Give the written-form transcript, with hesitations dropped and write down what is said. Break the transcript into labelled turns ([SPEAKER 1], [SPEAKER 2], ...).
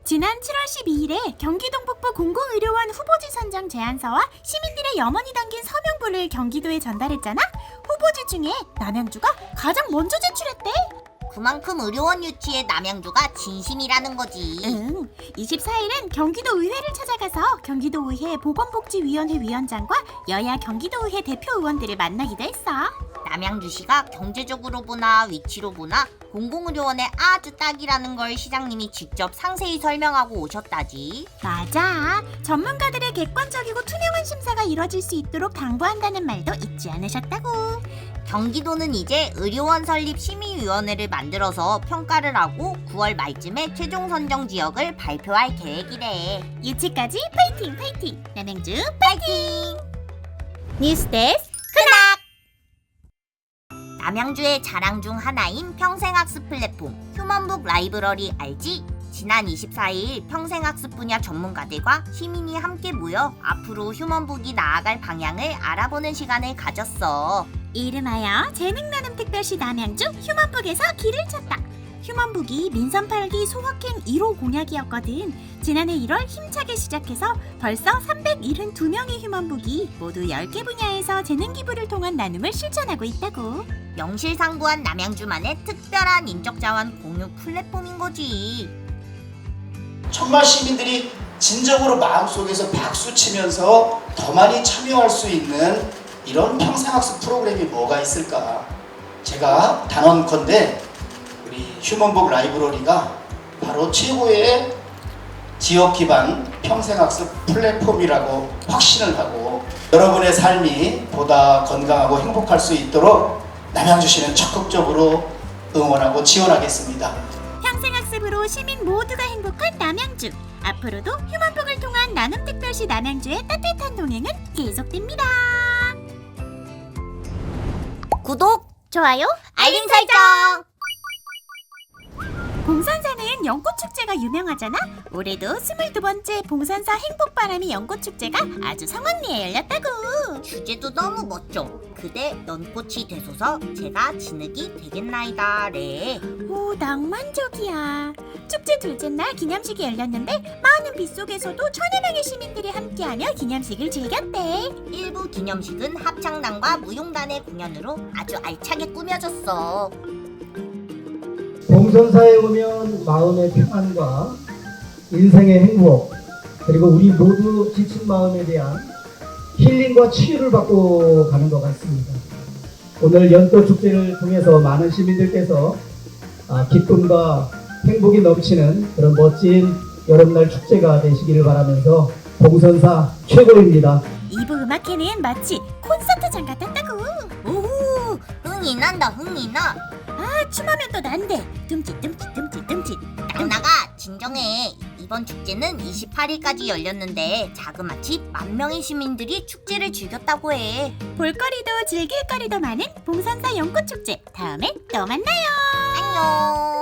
[SPEAKER 1] 지난 7월 12일에 경기동북부 공공의료원 후보지 선정 제안서와 시민들의 염원이 담긴 서명부를 경기도에 전달했잖아? 후보지 중에 남양주가 가장 먼저 제출했대.
[SPEAKER 2] 그만큼 의료원 유치에 남양주가 진심이라는 거지.
[SPEAKER 1] 응, 24일은 경기도 의회를 찾아가서 경기도의회 보건복지위원회 위원장과 여야 경기도의회 대표 의원들을 만나기도 했어.
[SPEAKER 2] 남양주시가 경제적으로 보나 위치로 보나 공공의료원에 아주 딱이라는 걸 시장님이 직접 상세히 설명하고 오셨다지.
[SPEAKER 1] 맞아. 전문가들의 객관적이고 투명한 심사가 이뤄질 수 있도록 당부한다는 말도 잊지 않으셨다고.
[SPEAKER 2] 경기도는 이제 의료원 설립 심의위원회를 만들어서 평가를 하고 9월 말쯤에 최종 선정 지역을 발표할 계획이래.
[SPEAKER 1] 유치까지 파이팅 파이팅! 남양주
[SPEAKER 2] 파이팅!
[SPEAKER 1] 뉴스데스크.
[SPEAKER 2] 남양주의 자랑 중 하나인 평생학습 플랫폼 휴먼북 라이브러리 알지? 지난 24일 평생학습 분야 전문가들과 시민이 함께 모여 앞으로 휴먼북이 나아갈 방향을 알아보는 시간을 가졌어.
[SPEAKER 1] 이름하여 재능나눔특별시 남양주 휴먼북에서 길을 찾다. 휴먼북이 민선 8기 소확행 1호 공약이었거든. 지난해 1월 힘차게 시작해서 벌써 372명의 휴먼북이 모두 10개 분야에서 재능기부를 통한 나눔을 실천하고 있다고.
[SPEAKER 2] 명실상부한 남양주만의 특별한 인적자원 공유 플랫폼인 거지.
[SPEAKER 3] 정말 시민들이 진정으로 마음속에서 박수치면서 더 많이 참여할 수 있는 이런 평생학습 프로그램이 뭐가 있을까? 제가 단언컨대 우리 휴먼북 라이브러리가 바로 최고의 지역 기반 평생학습 플랫폼이라고 확신을 하고 여러분의 삶이 보다 건강하고 행복할 수 있도록 남양주시는 적극적으로 응원하고 지원하겠습니다.
[SPEAKER 1] 평생학습으로 시민 모두가 행복한 남양주. 앞으로도 휴먼북을 통한 나눔특별시 남양주의 따뜻한 동행은 계속됩니다.
[SPEAKER 2] 구독,
[SPEAKER 1] 좋아요,
[SPEAKER 2] 알림 설정!
[SPEAKER 1] 봉산사는 연꽃축제가 유명하잖아? 올해도 22번째 봉산사 행복바람이 연꽃축제가 아주 성황리에 열렸다고.
[SPEAKER 2] 주제도 너무 멋져. 그대 연꽃이 되소서 제가 진흙이 되겠나이다 래.
[SPEAKER 1] 오, 낭만적이야. 축제 둘째 날 기념식이 열렸는데 많은 빗속에서도 1000여 명의 시민들이 함께하며 기념식을 즐겼대.
[SPEAKER 2] 일부 기념식은 합창단과 무용단의 공연으로 아주 알차게 꾸며졌어.
[SPEAKER 4] 봉선사에 오면 마음의 평안과 인생의 행복, 그리고 우리 모두 지친 마음에 대한 힐링과 치유를 받고 가는 것 같습니다. 오늘 연꽃축제를 통해서 많은 시민들께서 기쁨과 행복이 넘치는 그런 멋진 여름날 축제가 되시기를 바라면서 봉선사 최고입니다.
[SPEAKER 1] 2부 음악회는 마치 콘서트장 같았다고.
[SPEAKER 2] 오호, 흥이 난다 흥이 나.
[SPEAKER 1] 아, 춤하면 또 난데. 듬칫.
[SPEAKER 2] 나가 진정해. 이번 축제는 28일까지 열렸는데 자그마치 10,000명의 시민들이 축제를 즐겼다고 해.
[SPEAKER 1] 볼거리도 즐길거리도 많은 봉산사 연꽃축제. 다음에 또 만나요.
[SPEAKER 2] 안녕.